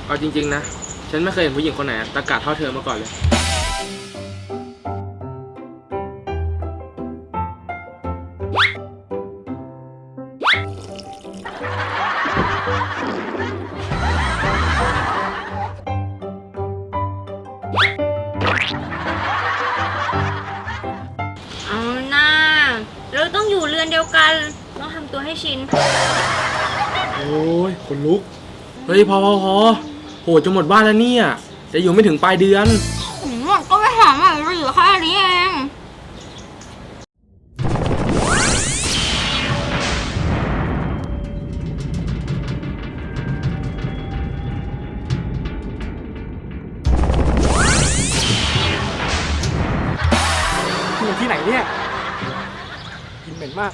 เอาจริงๆนะฉันไม่เคยเห็นผู้หญิงคนไหนตะกะเท่าเธอมาก่อนเลยเอาหน้าเราต้องอยู่เรือนเดียวกันต้องทำตัวให้ชินโอ้ยขนลุกเฮ้ยพอโหจะหมดบ้านแล้วเนี่ยจะอยู่ไม่ถึงปลายเดือนก็ไม่ถามอ่ะเราอยู่แค่นี้เองอยู่ที่ไหนเนี่ยกินเหม็นมาก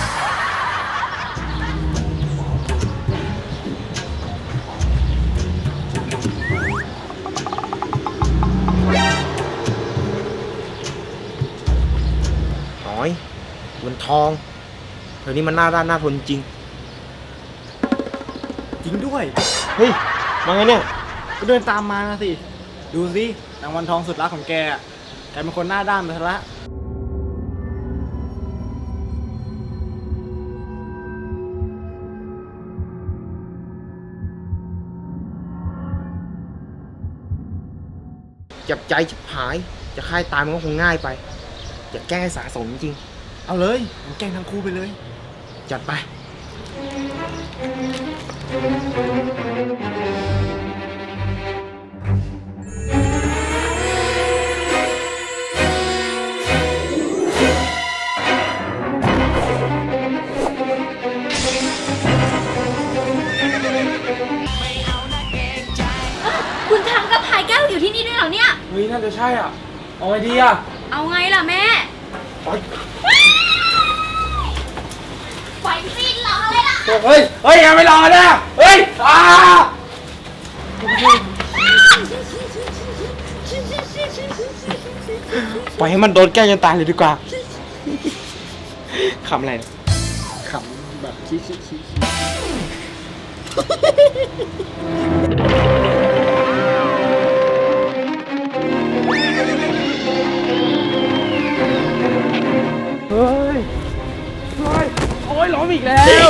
น้อยมันทองเธอนี่มันน่าด้านน่าทนจริงจริงด้วยเฮ้ยมาไงเนี่ยก็เดินตามมานะสิ ดูสินางวันทองสุดรักของแกกลายเป็นคนหน้าด้านไปซะละจับใจชิบหายจะฆ่าตายมันก็คงง่ายไปอย่าแกล้งให้สะสมจริงเอาเลยมันแกล้งทั้งคู่ไปเลยจัดไปคุณทางกับพายแก้วอยู่ที่นี่ด้วยเหรอเนี่ยเฮ้ยน่าจะใช่อ่ะเอาไงดีอ่ะเอาไงล่ะแม่ไหวสิ้นรอเลยล่ะเฮ้ยยังไม่รอนะเฮ้ยปล่อยให้มันโดนแก้จนตายเลยดีกว่าขำอะไรขำแบบชี้เฮ้ยโอ้ยล้มอีกแล้ว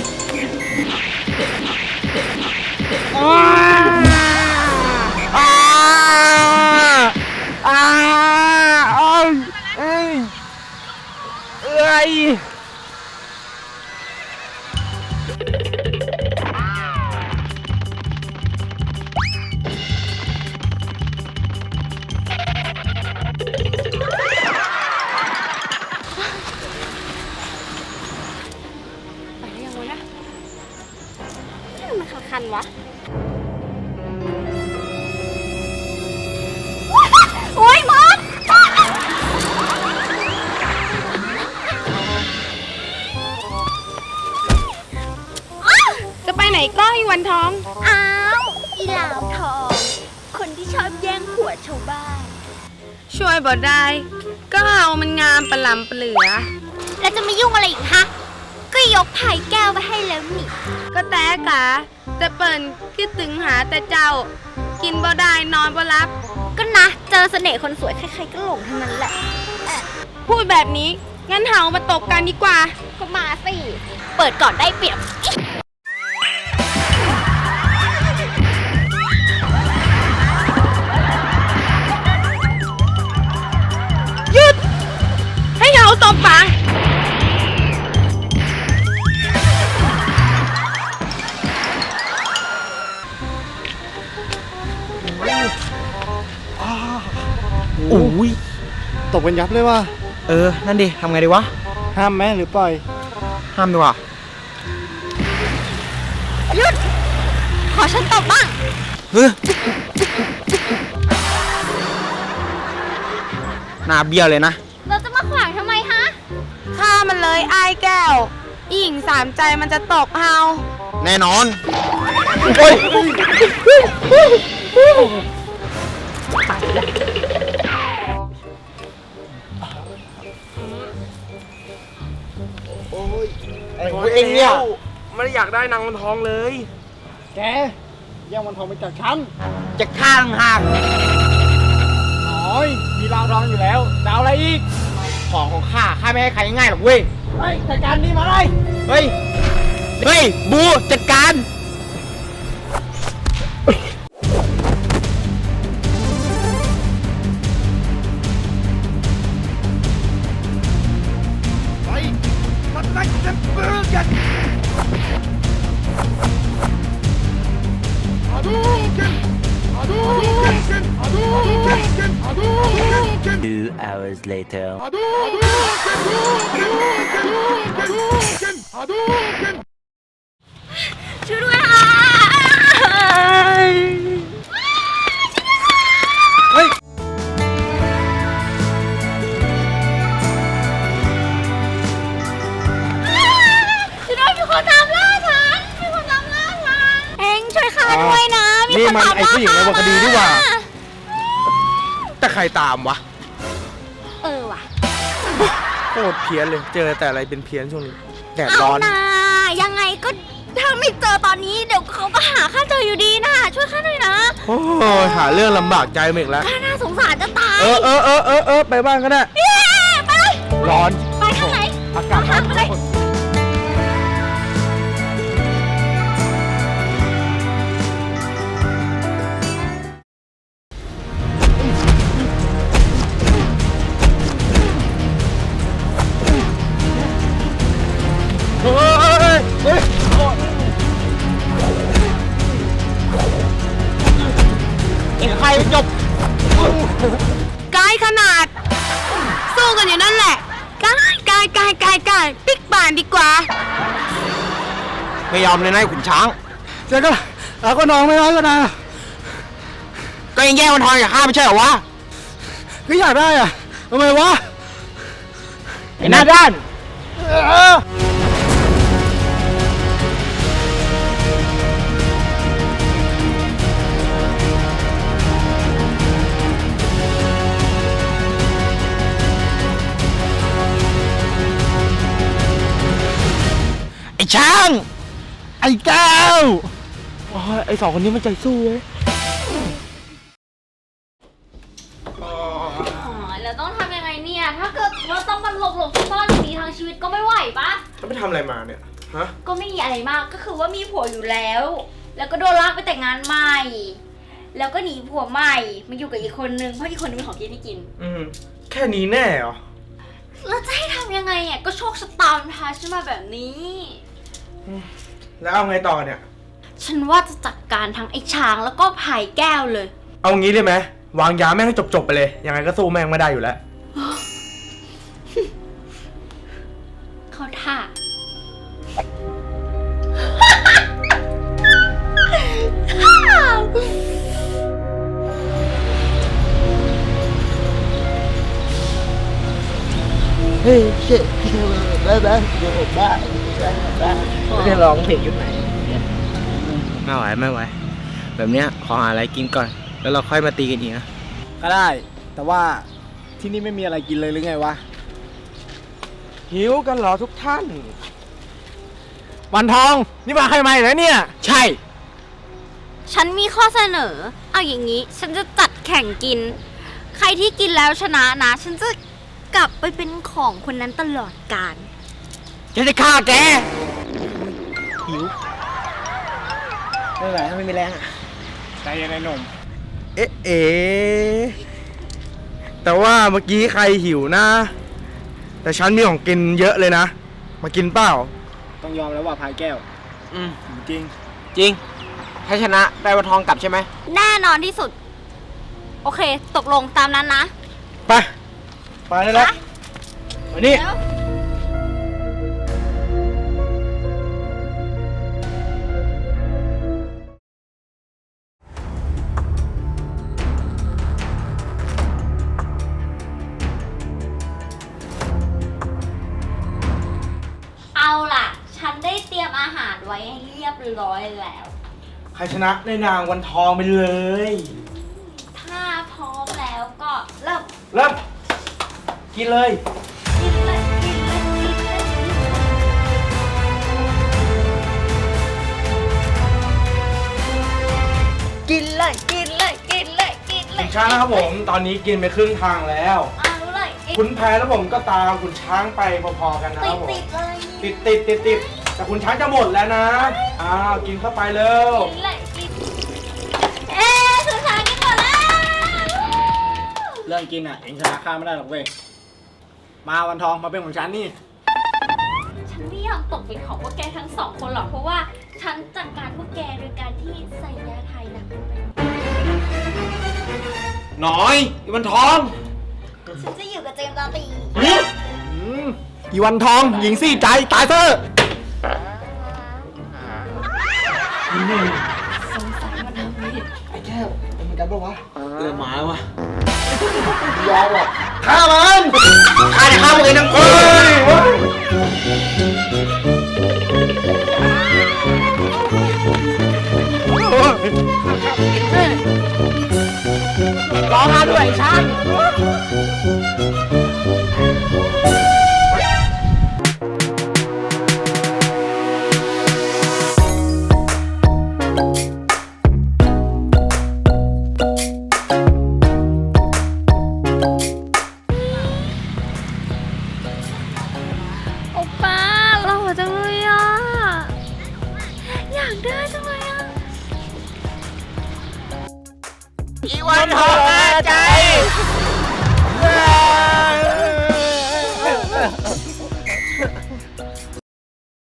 มันคันวะโอ้ยมอสจะไปไหนก็อีวันทองอ้าวอีหลาวทองคนที่ชอบแย่งผัวชาวบ้านช่วยบ่ได้ก็เอามันงามประหลำประเหลือแล้วจะไม่ยุ่งอะไรอีกฮะก็ยกไผ่แก้วไปให้แล้วนี่ก็แต่กะจะเปิ่นคิดถึงหาแต่เจ้ากินบ่ได้นอนบ่รับก็นะเจอเสน่ห์คนสวยใครๆก็หลงทั้งนั้นแหละพูดแบบนี้งั้นเฮามาตบกันดีกว่าก็มาสิเปิดก่อนได้เปรียบหยุดให้เฮาตบปังโอ้ยตบกันยับเลยว่ะนั่นดิทำไงดีวะห้ามไหมหรือปล่อยห้ามดีกว่าหยุดขอฉันตบบ้างหน้าเบี้ยวเลยนะเราจะมาขวางทำไมฮะฆ่ามันเลยไอ้แก้วอีหญิงสามใจมันจะตกเฮาแน่นอนโอ้ยอะไรของเองเนี่ยไม่ได้อยากได้นางวันทองเลยแกแย่งวันทองไปจากฉันจะฆ่าต่างหากน้อยมีรางรองอยู่แล้วจะเอาอะไรอีกของของข้าไม่ให้ใครง่ายหรอกเว้ยเฮ้ยจัดการนี่มาเลยเฮ้ย เฮ้ย บูจัดการ 2 hours later. ช่วยด้วยค่ะเฮ้ยช่วยด้วยมีคนตามล่าฉันมีคนตามล่าฉันเอ็งช่วยข้าด้วยนะมีนี่คนมันตามไอ้ล่าผู้หญิงในวรรณคดีนี่หว่า แต่ใครตามวะว่ะโคตรเพี้ยนเลย เจอแต่อะไรเป็นเพี้ยนช่วงนี้ แดดเอาร้อนนะยังไงก็ถ้าไม่เจอตอนนี้เดี๋ยวเขาก็หาข้าเจออยู่ดีนะช่วยข้าหน่อยนะโอ้ยหาเรื่องลำบากใจมึงอีกแล้วข้าน่าสงสารจะตายไปบ้านก็ได้เย้ไปเลยร้อนไปทางไหนอากาศร้อนไปเลยเฮ้ยเฮ้ยเอ็งใครจบไกลขนาด สู้กันอยู่นั่นแหละไกลปิ๊กป่านดีกว่าไม่ยอมเลยนะไอ้ขุนช้างเจ๊ก็เอาก็น้องไม่น้อยก็นะก็ยังแย่งวันทองจากข้าไม่ใช่เหรอวะก็อยากได้อะทำไมวะไอ้หน้าด้าน ไอ้ช้าง ไอ้แก้วโอ้ยไอ้สองคนนี้มันใจสู้เว้ยแล้วต้องทำยังไงเนี่ย ถ้าเกิดว่าต้องมาหลบซ่อนอย่างนี้ทั้งชีวิตก็ไม่ไหวปะแล้วไปทำอะไรมาเนี่ย ฮะก็ไม่มีอะไรมาก ก็คือว่ามีผัวอยู่แล้ว แล้วก็โดนลากไปแต่งงานใหม่ แล้วก็หนีผัวใหม่ มาอยู่กับอีกคนนึง เพราะอีกคนนึงเป็นของกินไม่กินแค่นี้แน่เหรอแล้วจะให้ทำยังไงอ่ะ ก็โชคชะตามันพาฉันมาแบบนี้แล้วเอาไงต่อเนี่ยฉันว่าจะจัดการทั้งไอ้ช้างแล้วก็ไผ่แก้วเลยเอางี้ได้ไหมวางยาแม่งให้จบๆไปเลย ยังไงก็สู้แม่งไม่ได้อยู่แล้วเขาท่าเฮ้ยเช่ได้ไหมเดี๋ยวผมได้ไม่ได้ร้องเพลงยุคไหนไม่ไหว แบบเนี้ยขอหาอะไรกินก่อน แล้วเราค่อยมาตีกันอีกนะก็ได้ แต่ว่าที่นี่ไม่มีอะไรกินเลยหรือไงวะหิวกันเหรอทุกท่านวันทอง นี่มาใครมาอีกแล้วเนี่ยใช่ฉันมีข้อเสนอ เอาอย่างนี้ ฉันจะจัดแข่งกิน ใครที่กินแล้วชนะนะ ฉันจะกลับไปเป็นของคนนั้นตลอดกาลจะได้ฆ่าแกไม่ไหวไม่มีแรงอ่ะ ใจเย็นไอ้หนุ่มเอ๊ะแต่ว่าเมื่อกี้ใครหิวนะ แต่ฉันมีของกินเยอะเลยนะ มากินเปล่าต้องยอมแล้วว่าพายแก้ว จริงจริง ถ้าชนะได้วันทองกลับใช่ไหมแน่นอนที่สุด โอเค ตกลงตามนั้นนะไป ไปได้แล้วมานี่แล้ว เอาล่ะ ฉันได้เตรียมอาหารไว้ให้เรียบร้อยแล้วใครชนะได้นางวันทองไปเลยถ้าพร้อมแล้วก็เริ่มเริ่ม กินเลยกินเลยกินเลยกินเลยกินเลยกินเลยกินเลยกินเลยกินเลขุยนช้างนะครับผมตอนนี้กินไปครึ่งทางแล้วเอาเลยขุนแผนแล้วผมก็ตามขุนช้างไปพอๆกันนะคติรัดบผมติดเลยติดแต่ขุนช้างจะหมดแล้วนะอ้าวกินเข้าไปเร็วกินเลยกินสุดท้ายกินหมดแล้วเรื่องกินอ่ะเองชนะข้าไม่ได้หรอกเว้ย มาวันทองมาเป็นของฉันนี่ฉันไม่ยอมตกเป็นของพวกแกทั้งสองคนหรอกเพราะว่าฉันจัดการพวกแกโดยการที่ใส่ยาไทยหนักลงไปน้อยอีวันทองฉันจะอยู่กับเจมส์ราตรีอีวันทองหญิงสี่ใจตายเถอะสงสัยมันทำไม่ไอ้แก้วเป็นเหมือนกันปะวะเริ่มหมาวะยอมหรอกฆ่ามันข้าจะฆ่ามึงเองทั้งคนร้องมาด้วยไอ้ช้างโอป้าหล่อจังเลยอ่ะ อยากได้จังเลยอ่ะอีวันทองอาใจ